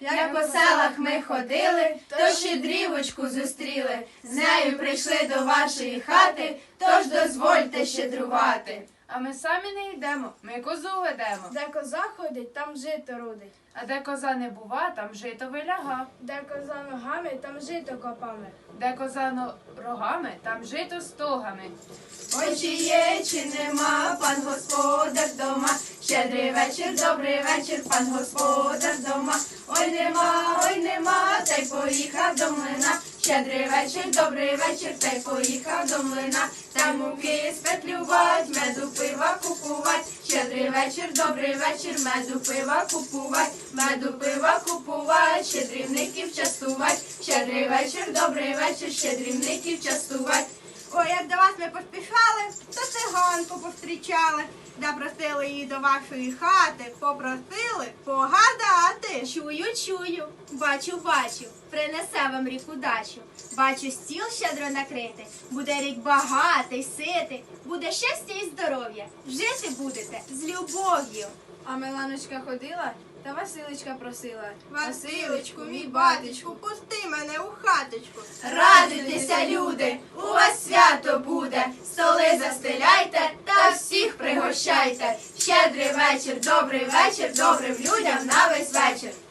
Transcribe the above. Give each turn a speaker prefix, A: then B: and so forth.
A: Як по селах ми ходили, то щедрівочку зустріли. З нею прийшли до вашої хати, тож дозвольте щедрувати.
B: А ми самі не йдемо, ми козу ведемо.
C: Де коза ходить, там жито родить.
B: А де коза не бува, там жито виляга.
C: Де коза ногами, там жито копами.
B: Де коза рогами, там жито стогами.
A: Ой, чи є, чи нема, пан господар дома. Щедрий вечір, добрий вечір, пан господар дома. Ой, нема, та й поїхав до млина. Щедрий вечір, добрий вечір, та й поїхав до млина. Та муки спетлювать, меду пива купувать. Щедрий вечір, добрий вечір, меду пива купувать. Меду пива купувать, щедрівників частувать. Щедрий вечір, добрий вечір, щедрівників частувать.
D: Ой, як до вас ми поспішали, то циганку повстрічали. Запросили її до вашої хати, попросили погадати.
E: Чую, бачу, принесе вам рік удачу. Бачу, стіл щедро накритий, буде рік багатий, ситий, буде щастя і здоров'я, жити будете з любов'ю.
C: А Миланочка ходила, та Василичка просила.
D: Василечку, мій батечку, пусти мене у хаточку.
A: Радуйтеся, люди, у вас свято буде. Столи застеляйте та всіх пригощайте. Щедрий вечір, добрий вечір, добрим людям на весь вечір.